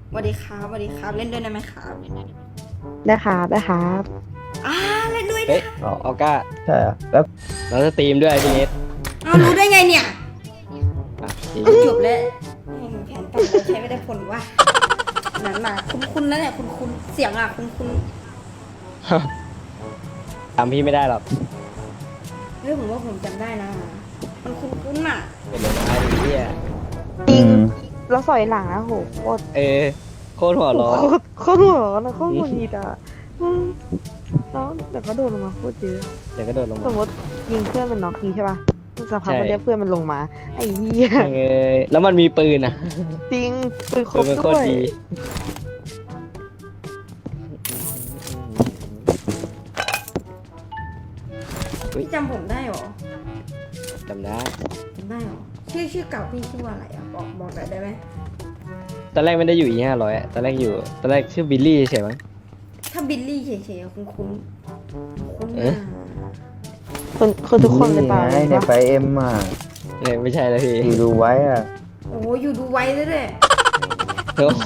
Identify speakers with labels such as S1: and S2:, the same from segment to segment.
S1: สวัสดีครับสวัสดีครับเล่นด้วยได้ไหมครับ
S2: ได้ครับได้ครับ
S1: อ่าเล่นด้วย
S3: เฮ้
S1: นะ
S3: ยออก้า
S4: ใช่อะแล้ว
S3: เราจะสตรีมด้วยพี่เนส
S1: เอารู้ได้ไงเนี่ย
S3: อ่ะจริง
S1: จบแล้วแผนต่อไปใช้ไม่ได้ผลว่ะนั้นมาคุ้นๆนะเนี่ยคุ้นๆเสียงอ่ะคุ้น
S3: จำพี่ไม่ได้หรอก
S1: ๆเฮ้ยผมว่าผมจำได้นะมันคุ้นๆอ่ะ
S3: เป็นยังไงพี่อ่ะ
S2: จริงแล้วสอยหลังนะโหโคตร
S3: โคตรหัวร้อน
S2: โคตรหัวร้อนนะโคตรหงุดหงิดอ่ะแล้วแต่ก็โดนลงมาโคตรเยอะ
S3: เดี๋ยวก็โดดลง
S2: ส
S3: มาม
S2: มติยิงเพื่อนมันน็อกทีใช่ป่ะสักพัก
S3: ใช่
S2: มันเรียกเพื่อนมันลงมาไอ้เหี้ย
S3: แล้วมันมีปืนอ่ะ
S2: จริงปืนคร
S3: ปื
S2: บ
S3: นมันโค
S2: ด้
S3: ต
S2: ว
S3: ร
S2: ย
S3: ดี
S1: พี่จำผมได้เหรอ
S3: จำได้
S1: จำได้เหรอชื่อเก่าพี่ชื่อว่าอะไรอ่ะบอกหน่อยได้ไหม
S3: ตอนแรกไม่ได้อยู่500อ่ะตอนแรกชื่อบิลลี่ใช่ไหม
S1: ถ้าบิลลี่เฉยๆคุ้นๆ
S3: เอ๊ะ
S2: คนทุกคนเลยป่ะ
S4: ไงเนี่ยไปเอ็มอ่ะ
S3: ไม่ใช่แล้วพี่
S4: อยู่ดูไว้อ่ะ
S1: โอ้อยู่ดูไว้ด้วย
S3: โอ้โห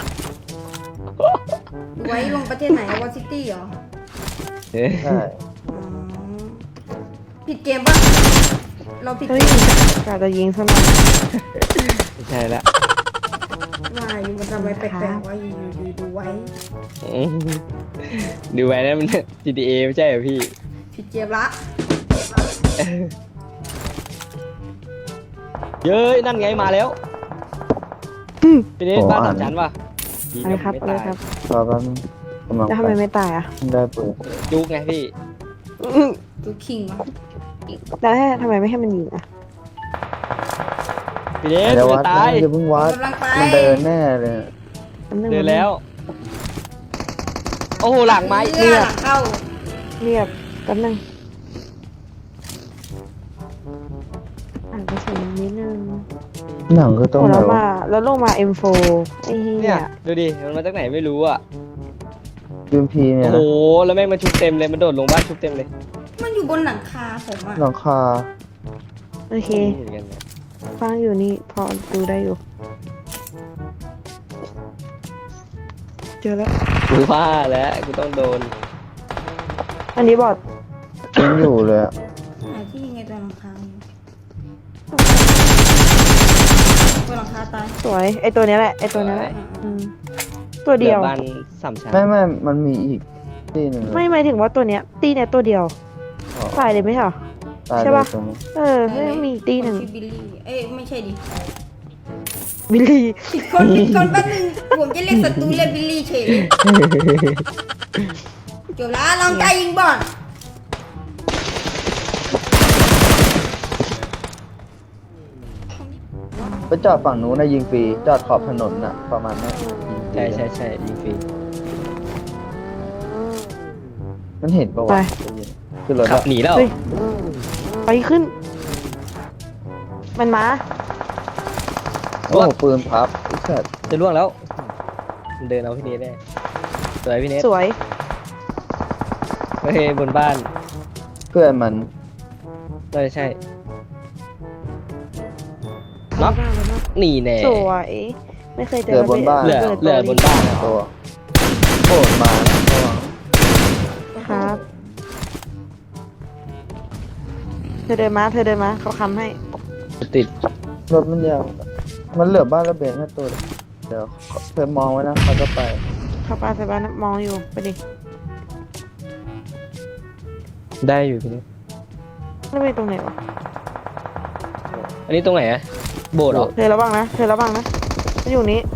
S1: ดูไว้ลงประเทศไหนวอซิตี้เหรอ
S3: เอ๊ะ
S4: ใช่
S1: อ๋อผิดเกมป่ะเราผิด
S2: เฮ้
S1: เก
S2: ย
S1: ม
S2: กาจะยิงซะหน่อย
S3: ไม่ใช่ละ
S1: ว่าอยู่มันทำไมแปลกๆว่าอยู่ดูไว้
S3: อืมดูไว้นะมัน GTA ไม่ใช่เหรอพี่
S1: ผิดเกมละ
S3: เย้ยนั่นไงมาแล้วพี่เนสบ้านสามชั้นป่ะดี
S2: อะไร
S3: นะครับ ไม่
S2: อะไร
S3: ตาย
S2: ครับ
S4: รอแป๊บนึงกำลัง
S2: แล้วทำ
S4: ไป
S2: ไมไม่ตายอ่ะ
S4: ได้ปืน
S3: จุกไงพี่
S1: ดูคิงวะ
S2: แล้วทำไมไม่ให้มันยิงอ่ะ
S3: พี่เนส
S4: เดี๋ยว
S3: จะ
S4: วัด
S3: ตาย
S4: นะอย่าเพิ่งวัด
S1: กำลังไป
S4: มันเดินแน่เลย
S2: แป๊บนึง
S3: เดินแล้ว โอ้โหหลังไม้
S1: เลือดเข้า
S2: เรียบแป๊บนึงอ่านกระสุนนิดนึง
S4: หนังคือตรง
S2: โอ้
S4: ไหน
S2: แล้ว
S4: วะ
S2: มาแล้วลงมา M4 ไอ้เหี้
S3: เนี่ย ยดูดิมันมาจากไหนไม่รู้อ่ะ
S4: ยูมพีเนี่
S3: โอ้
S4: ย
S3: โห
S4: นะ
S3: แล้วแม่งมันชุบเต็มเลยมันโดดลงบ้านชุบเต็มเลย
S1: มันอยู่บนหลังคาผมอะ
S4: หลังคา
S2: โอเค
S3: เหมือนกันเนี่ย
S2: ฟังอยู่นี่พอดูได้อยู่ เจอแล้ว
S3: กูว่าแล้วกูต้องโดน
S2: อันนี้บอด
S4: ยังอยู่เลยอะ
S1: หาที่ยังไงตัวหลังคาอยู่ตัวหลังคาตาย
S2: สวยไอตัวเนี้ยแหละไอตัวเนี้ยแหละอืมตัวเดียว
S3: บ้านสามชั้น
S4: ไม่มันมีอีกที่หนึ่งเลย
S2: ไม่หมายถึงว่าตัวเนี้ย ตีเนี้ยตัวเดียว
S4: อ๋อ
S2: ตายเลยไหมเหรอ
S4: ตาย
S2: ใช่
S4: เลย
S2: ปะ
S4: ตรงนี้
S2: เออไม่มีอีกตีหนึ่ง
S1: ชื่อบิลลี่เอ้ยไม่ใช่ดิ
S2: บิลลี่
S1: ผิดคนแป๊บนึงผมจะเรียกศัตรูเรียกบิลลี่เฉยเลยจบแล้วลองใจยิงบอล
S4: ไปจอดฝั่งนู้นนะยิงฟรีจอดขอบถนนน่ะประมาณนั้นยิงฟรี
S3: ใช่ยิงฟรี
S4: มันเห็นปะ
S2: ไป
S4: วะคือรถ
S3: ขับ
S4: อะ
S3: หนีแล้ว
S2: เฮ้ยไปขึ้น มันมา
S4: โอ้โหปืนพับไอ้สัตว์
S3: จะล่วงแล้วมันเดินเอาพี่เนสได้สวยพี่เนส
S2: สวย
S3: โอเคบนบ้าน
S4: เพื่อนมัน
S3: น่าจะใช่น็อกหนีแน่
S2: สวยไม่เคยเจ
S4: เหลือบนบ้าน
S3: เหลือ
S2: ระบิด
S3: เหลือบนบ้านอะ
S4: ตัวโอ้มานะระวัง
S2: ครับ เธอเดินมาเขาค้ำให้
S3: ติด
S4: รถมันยาวมันเหลือบ้านระเบียงแค่ตัวเดียวเธอมองไว้นะเขาจะไป
S2: เข้าป้าใส่บ้านมองอยู่ไปดิ
S3: ได้อยู่พี่เนส
S2: แล้วไปตรงไหนวะ
S3: อันนี้ตรงไหนอะโบสถ์เหรอ
S2: เธอระวังนะมันอยู่นี้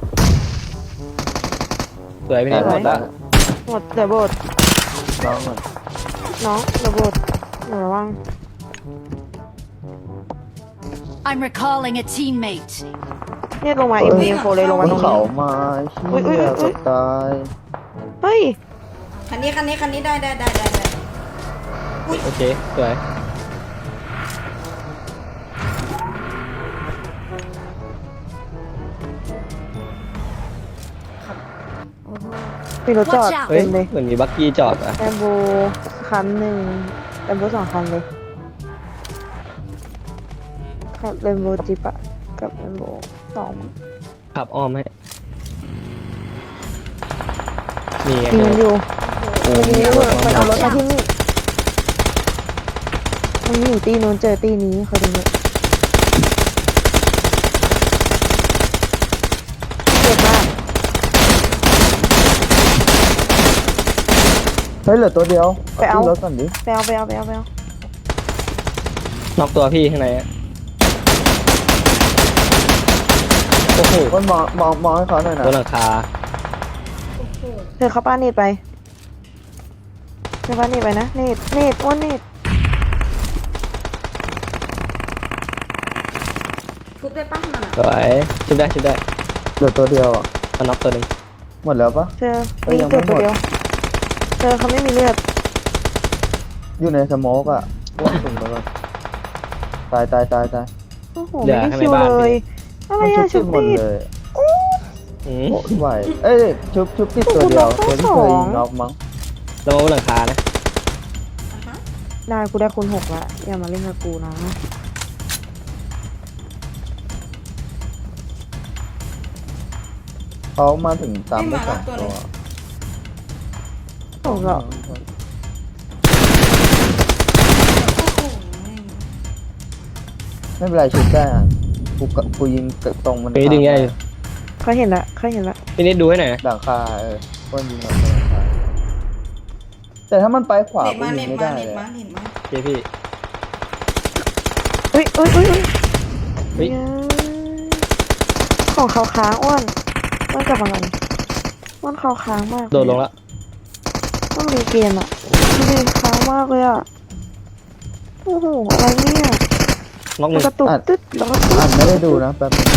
S3: สวยพี่เนส
S2: ส
S3: ห
S2: ว
S3: ม
S2: ย
S3: ดละ
S2: หมดเดี๋ยวโบด
S4: น้องมัน
S2: น้องเดี๋ยวโบดหนูระวัง
S5: I'm recalling a teammate.
S2: เนี่ยลงมา M4 เลยลง
S4: บ
S2: มาน ตรง
S4: เขา
S2: นี้
S4: มา
S2: อุ๊ย
S4: เชี่ย
S2: อุ๊ย
S4: จะตาย
S2: เฮ้ย
S1: คันนี้ได้
S3: โอเคสวย
S1: โอ้โห
S2: มีรถจอด
S5: Watch out
S3: เฮ้ย
S2: เต็มเลย
S3: เหมือนมีบักกี้จอดอะ
S2: แลมโบคันหนึ่งแลมโบ2 คันเลยครับแลมโบจิปอะกับแลมโบ2
S3: ขับอ้อมให้นี่ไง
S2: ยิงมันอยู่
S4: โอ้
S2: มัน
S4: มี
S2: ยิง
S4: รถ
S2: มัน
S4: มา
S2: เอารถมาที่นี่มันอยู่ตีนู้นเจอตีนี้เขาดูเลยเจ็บมาก
S4: เฮ้ยเหลือตัวเดียว
S2: ไปเอา
S4: ที่รถก่อนดิ
S2: ไปเอา
S3: น็อกตัวพี่ข้างในอะโอ้โห
S4: คนมองให้เขาหน่อยนะ
S3: บนหลังคา
S1: โอ้โห
S2: เธอเข้าป้าเนตไปเธอป้าเนตไปนะเนตอ้วนเนต
S1: ทุบได้ป้ามัน
S3: สวยชุบได้
S4: เหลือตัวเดียวอ่ะ
S3: มันน็อกตัวหนึ่ง
S4: หมดแล้วปะ
S2: เธอ
S4: เอ้ย
S2: มี
S4: ยัง
S2: เจ็บ
S4: ไม่หมด
S2: ตัวเดียวเธอเขาไม่มีเลือด
S4: อยู่ในสโมกอ่ะพวกสุ่มแล้วก็ตาย
S2: โอ้โหไม่ได้คิวเลยอะไร
S4: มัน
S2: อะ
S4: ชุ
S2: ชุ
S4: บบ หมด
S2: ติด
S4: เลย
S3: อืม
S4: โอ้ไหวเอ้ยชุบติดตัวเดียว
S2: โอ้
S4: ตัว
S2: โห
S4: ที่เคยยิงน็อกมั้ง
S3: ระวังบนหลังคานะ
S1: อ่ะฮะ
S2: ได้กูได้คูณ 6ละอย่ามาเล่นกับกูนะ
S4: เขามาถึงตามไปสองตัว
S2: โอ้โห
S4: ไม่เป็นไรชุบได้อ่ะกูยิงตรงมัน
S3: พี่ดึงยังไง
S2: เขาเห็นละ
S3: พี่นิดดูให้หน่อยนะ
S4: หลังคาก้นยิงหลังคาแต่ถ้ามันไปขวา
S1: เน็ต
S4: กู
S1: มา
S4: ยิ
S1: เน็
S4: ง
S1: ต
S4: ไม่
S1: มา
S4: ได้
S1: เน็ต
S4: เลย
S1: มาเน็ตมา
S3: โอเคพี่
S2: เฮ้ย
S3: เฮ้ย
S2: ของเขาค้างอ้วนกลับมาก่อนอ้วนเขาค้างมาก
S3: โดดลงแล้ว
S2: ต้องรีเกมอ่ะรีค้างมากเลยอ่ะโอ้โหอะไรเนี่ย
S3: น็อกห
S2: มัน
S3: นึ่ง
S2: กระตุกตึ๊ดแล้วก็ตึ๊ด
S4: อ่านไม่ได้ดูนะแป๊บนึง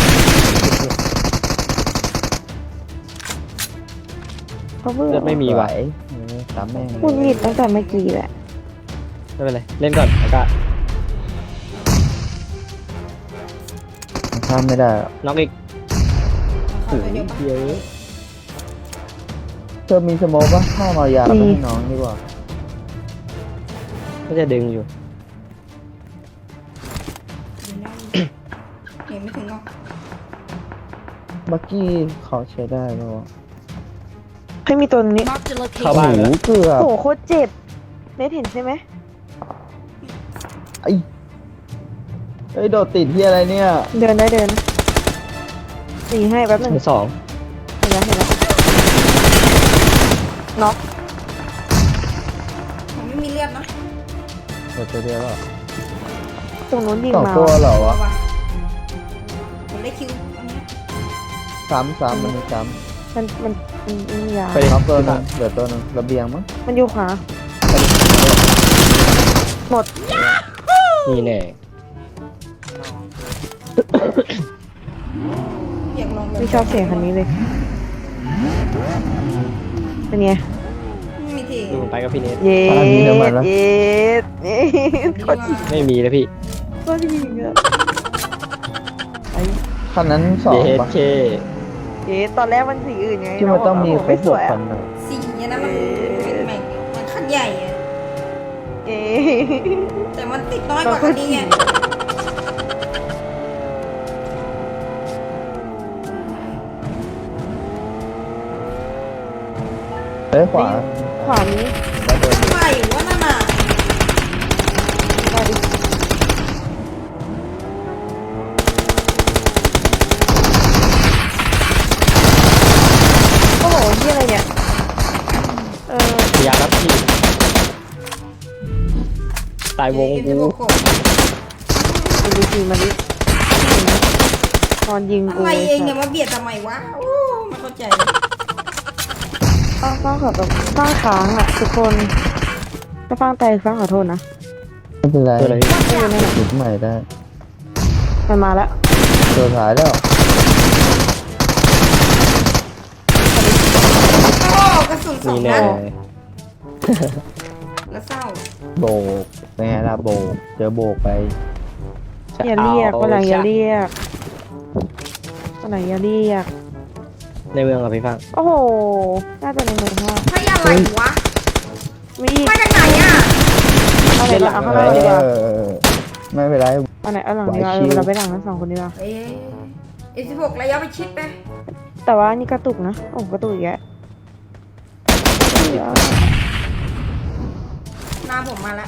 S2: เขาเบื่อ
S3: เลือดไม่มีว่ะ
S4: ตามแม่ง
S2: หงุดหงิดตั้งแต่เมื่อกี้แหละ
S3: ไม่เป็นไรเล่นก่อนอากาศ
S4: ข้ามไม่ได้หรอก
S3: น็อกอีก
S1: เข้าไปเดี๋ยวป้า
S3: เยอะ
S4: เธอมีสโมกปะข้ามายาแล้วไปให้น้องดีกว่า
S3: ก็จะดึงอยู่
S1: เห็นไม่ถึงหรอก
S4: บักกี้เขาใช้ได้ปะวะ
S2: ให้มีตัวนี้
S5: Marked a
S3: เข้า
S5: location.
S3: บ้านแล้ว
S4: เกือบ
S2: โอ้โหโคตรเจ็บเนทเห็นใช่ไหม
S4: ไอ้เฮ้ยโดดติดที่อะไรเนี่ย
S2: เดินได้เดินหนีให้แป๊บหนึง
S3: ชั้นสอง
S2: เห็นแล้วน็อก
S1: ผมไม่มีเลือดนะ
S4: เดี๋ยวตัวเดียวแล้ว
S2: ตรงนู้นยิง
S4: สอง
S2: มา
S4: ตัวเหรอวะ
S1: ว่ะผมได้คิวอันเนี้ย
S4: ซ้ำมันมีซ้
S2: มันมียา
S3: ไป
S4: ำ
S3: ดิ
S4: น็อกตัวหนึงเหลือตัวหนึงระเบียงมั้ง
S2: มันอยู่ขวาหมด
S3: นี่แน่
S1: อยากลองแบบ
S2: ไม่ชอบเสียงคันนี้เลยเป็นไง
S1: ไม่มีที
S3: ดูผมไปกับพี่เนท
S2: เย็ดเย็ดโคตร
S3: ไม่มีนะพี่
S2: โคตรยิงอะไอ้
S4: คันนั้นสอง
S3: เย
S4: ปะ
S3: เค
S2: เย็ดตอนแรกมันสีอื่นไง
S4: ที่มันต้องมีคร
S2: ไม่
S4: บ
S2: ส
S4: ห
S2: ว
S4: ก
S2: ย
S4: คั
S2: อะ
S4: นน่ะ
S1: สีเนี่ยนะมันมันคันใหญ่อะ
S2: เย็ด
S1: แต่มันติดน้อยกว่าคันนี้ไง
S4: เฮ้ยขวา
S2: ขวานี้
S4: แล้วเดิน
S1: ทำไมวะนั่นน่ะ
S2: มาดิโอ้โหที่อะไรเนี่ยเออ
S3: พยายามรับพี่ตายวง
S1: เอ็ม
S3: กู
S1: พีโบโกะ
S2: ดูดีมาดิตอนยิงกู
S1: อะไรเองเนี่ยมาเบียดทำไมวะโอ้ไม่เข้าใจ
S2: ต้องขอแบบต้องค้างอ่ะทุกคนถ้าฟังแต่ฟังขอโทษนะ
S4: ไม่เป็นไร
S3: ตัวอะไร
S2: ไม่เป็นไรนะ
S4: จุดใหม่ได้
S2: มันมาแล้ว
S4: ตัวท้ายแล้ว
S1: โอ้กระสุนสอ
S3: นี่
S1: ง
S3: แน่
S1: นัดแล้วเศร้า
S4: โบกเป็นไงล่ะโบกเจอโบกไป
S2: อย่าเรียกวันหลังอย่าเรียกวันหลังอย่าเรียก
S3: ในเมืองกับพี่ฟัง
S2: โอ้โหน่าจะในเมืองว่า
S1: ให้อะไรวะ
S2: มีอีก
S1: มาจากไหนอ่ะ
S2: เอาไหนละเอาข้างหน้าดีกว่า
S4: ไม่เป็นไร
S2: เอาไหนเอาหลังดีกว่า
S4: ไหวชิว
S2: เราไปหลังทั้งสองคนดีกว่า
S1: เอ็มพีโบกระยะไปชิดไป
S2: แต่ว่านี่กระตุกนะโอ้กระตุกอีกแล้วอะ
S1: หน้าผมมาแล้ว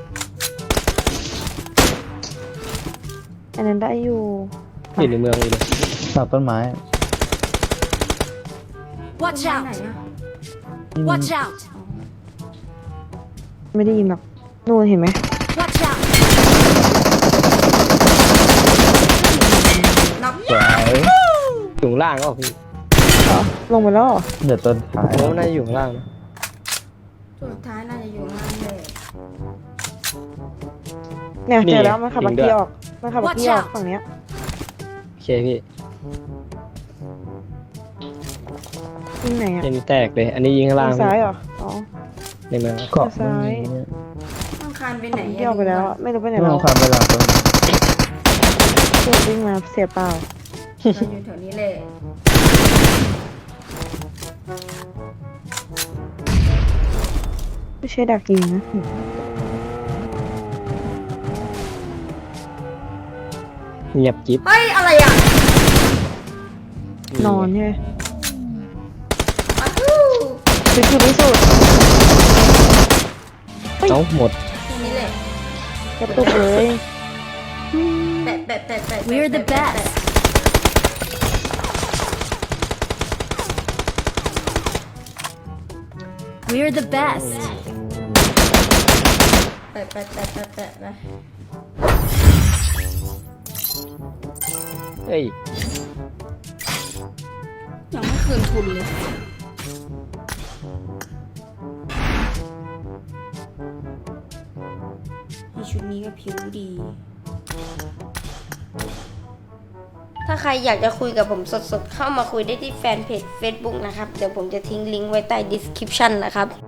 S2: อันนั้นได้อยู่
S3: อยู่ในเมืองเลย
S4: หลังต้นไม้
S5: Watch
S1: ไหน
S5: out!
S1: อะ
S5: Watch out!
S2: ไม่ได้ยินหรอกนู่นเห็นไหม
S5: Watch out!
S1: น็อก
S4: สวย
S3: อยู่ข้างล่างก็พี่
S2: เหรอลงไปแล้วเหรอ
S4: เดี๋ยวต้นท้าย
S3: ผมว่าน่าจะอยู่ข้างล่างนะ
S1: สุดท้ายน่าจะอยู่ข้างล่างเลย
S2: เนี่ย
S3: นี่
S2: เจอแล้วมันขับ
S3: จริ
S2: บัก
S3: งด้วย
S2: กี้ออกมันขับบักกี้ออก
S5: Watch out
S2: ฝั่งเนี้ย
S3: โอเคพี่
S2: ยิงไหนอ่ะ
S3: ยังแตกเลย อันนี้ยิงข้างล่าง
S2: ทางซ้ายเหรออ๋อ
S3: ในเมือง
S4: เกาะ
S2: ซ้าย
S1: ต้องคานไปไหน
S2: เกี่ยวไปแล้วอะไม่รู้ไปไหน
S4: ไม่
S2: แล้
S4: ต้
S2: ว
S4: องคานไปหลังต้นไม้
S2: เพื่อนวิ่งมาเสียเปล่า
S1: เราอยู่แถวนี้เลย
S2: ไม่ใช่ดักยิงนะ
S3: เงียบจิ๊บ
S1: เฮ้ย อะไรอ่ะ
S2: นอนใช่ไหม
S1: อ้าวฮู้
S2: คือที่สุด
S3: เอ้าหมด
S1: แค่นี้เลย
S2: กระตุกเลย
S1: แปะแปะแปะแปะ
S5: We're the
S1: แปะแปะ
S5: best. We're the best.
S1: แปะแปะแปะแปะแปะแปะ
S3: เฮ้ย
S1: ยังไม่คืนทุนเลยในชุดนี้ก็ผิวดี ถ้าใครอยากจะคุยกับผมสดๆ เข้ามาคุยได้ที่แฟนเพจ Facebook นะครับ เดี๋ยวผมจะทิ้งลิงก์ไว้ใต้ description นะครับ